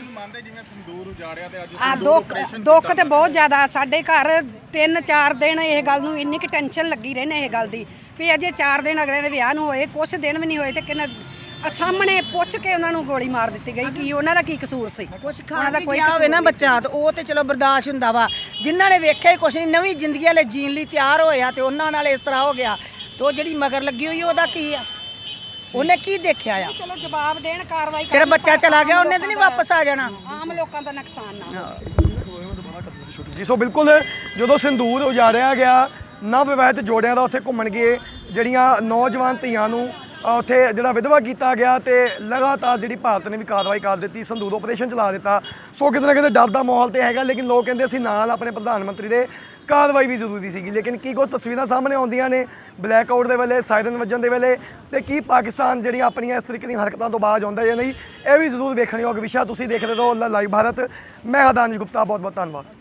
[SPEAKER 10] ਦੁੱਖ ਤੇ ਬਹੁਤ ਜ਼ਿਆਦਾ। ਸਾਡੇ ਘਰ 3-4 ਦਿਨ ਇਹ ਗੱਲ ਨੂੰ ਇੰਨੀ ਕਿ ਟੈਨਸ਼ਨ ਲੱਗੀ ਰਹਿੰਦੇ ਇਹ ਗੱਲ ਦੀ ਵੀ ਅਜੇ 4 ਦਿਨ ਅਗਲੇ ਦੇ ਵਿਆਹ ਨੂੰ ਹੋਏ, ਕੁਛ ਦਿਨ ਵੀ ਨਹੀਂ ਹੋਏ ਤੇ ਕਿੰਨਾ ਸਾਹਮਣੇ ਪੁੱਛ ਕੇ ਉਹਨਾਂ ਨੂੰ ਗੋਲੀ ਮਾਰ ਦਿੱਤੀ ਗਈ। ਕੀ ਉਹਨਾਂ ਦਾ ਕੀ ਕਸੂਰ ਸੀ?
[SPEAKER 9] ਉਹਨਾਂ ਦਾ ਕੋਈ ਹੋਵੇ ਨਾ ਬੱਚਾ, ਤੇ ਉਹ ਤੇ ਚਲੋ ਬਰਦਾਸ਼ਤ ਹੁੰਦਾ ਵਾ। ਜਿਨ੍ਹਾਂ ਨੇ ਵੇਖਿਆ ਹੀ ਕੁਛ ਨਹੀਂ, ਨਵੀਂ ਜ਼ਿੰਦਗੀ ਵਾਲੇ ਜੀਣ ਲਈ ਤਿਆਰ ਹੋਇਆ, ਤੇ ਉਹਨਾਂ ਨਾਲ ਇਸ ਤਰ੍ਹਾਂ ਹੋ ਗਿਆ। ਤੇ ਉਹ ਜਿਹੜੀ ਮਗਰ ਲੱਗੀ ਹੋਈ ਉਹਦਾ ਕੀ ਆ? ਉਹਨੇ ਕੀ ਦੇਖਿਆ ਆ?
[SPEAKER 10] ਚਲੋ ਜਵਾਬ ਦੇਣ, ਕਾਰਵਾਈ
[SPEAKER 9] ਜਿਹੜਾ ਬੱਚਾ ਚਲਾ ਗਿਆ ਉਹਨੇ ਤਾਂ ਨਹੀਂ ਵਾਪਸ ਆ ਜਾਣਾ।
[SPEAKER 10] ਆਮ ਲੋਕਾਂ ਦਾ ਨੁਕਸਾਨ ਨਾ
[SPEAKER 1] ਜੀ। ਸੋ ਬਿਲਕੁਲ ਜਦੋਂ ਸਿੰਦੂਰ ਉਜਾੜਿਆ ਗਿਆ, ਨਵ ਵਿਵਾਹਿਤ ਜੋੜਿਆਂ ਦਾ ਉੱਥੇ ਘੁੰਮਣ ਗਏ, ਜਿਹੜੀਆਂ ਨੌਜਵਾਨ ਧੀਆਂ ਨੂੰ ਉੱਥੇ ਜਿਹੜਾ ਵਿਧਵਾ ਕੀਤਾ ਗਿਆ ਤੇ ਲਗਾਤਾਰ ਜਿਹੜੀ ਭਾਰਤ ਨੇ ਵੀ ਕਾਰਵਾਈ ਕਰ ਦਿੱਤੀ, ਸੰਦੂਰ ਆਪਰੇਸ਼ਨ ਚਲਾ ਦਿੱਤਾ। ਸੋ ਕਿਤੇ ਨਾ ਕਿਤੇ ਡਰ ਦਾ ਮਾਹੌਲ ਤੇ ਹੈਗਾ, ਲੇਕਿਨ ਲੋਕ ਕਹਿੰਦੇ ਅਸੀਂ ਨਾਲ ਆਪਣੇ ਪ੍ਰਧਾਨ ਮੰਤਰੀ ਦੇ, ਕਾਰਵਾਈ ਵੀ ਜ਼ਰੂਰੀ ਸੀਗੀ। ਲੇਕਿਨ ਕੀ ਕੁਝ ਤਸਵੀਰਾਂ ਸਾਹਮਣੇ ਆਉਂਦੀਆਂ ਨੇ ਬਲੈਕ ਆਊਟ ਦੇ ਵੇਲੇ, ਸਾਇਰਨ ਵੱਜਣ ਦੇ ਵੇਲੇ, ਤੇ ਕੀ ਪਾਕਿਸਤਾਨ ਜਿਹੜੀਆਂ ਆਪਣੀਆਂ ਇਸ ਤਰੀਕੇ ਦੀਆਂ ਹਰਕਤਾਂ ਤੋਂ ਬਾਅਦ ਆਉਂਦਾ ਜਾਂ ਨਹੀਂ, ਇਹ ਵੀ ਜ਼ਰੂਰ ਵੇਖਣ ਯੋਗ ਵਿਸ਼ਾ। ਤੁਸੀਂ ਦੇਖਦੇ ਰਹੋ ਲਾਈਵ ਭਾਰਤ। ਮੈਂ ਹਾਂ ਦਾਨਿਸ਼ ਗੁਪਤਾ, ਬਹੁਤ ਬਹੁਤ ਧੰਨਵਾਦ।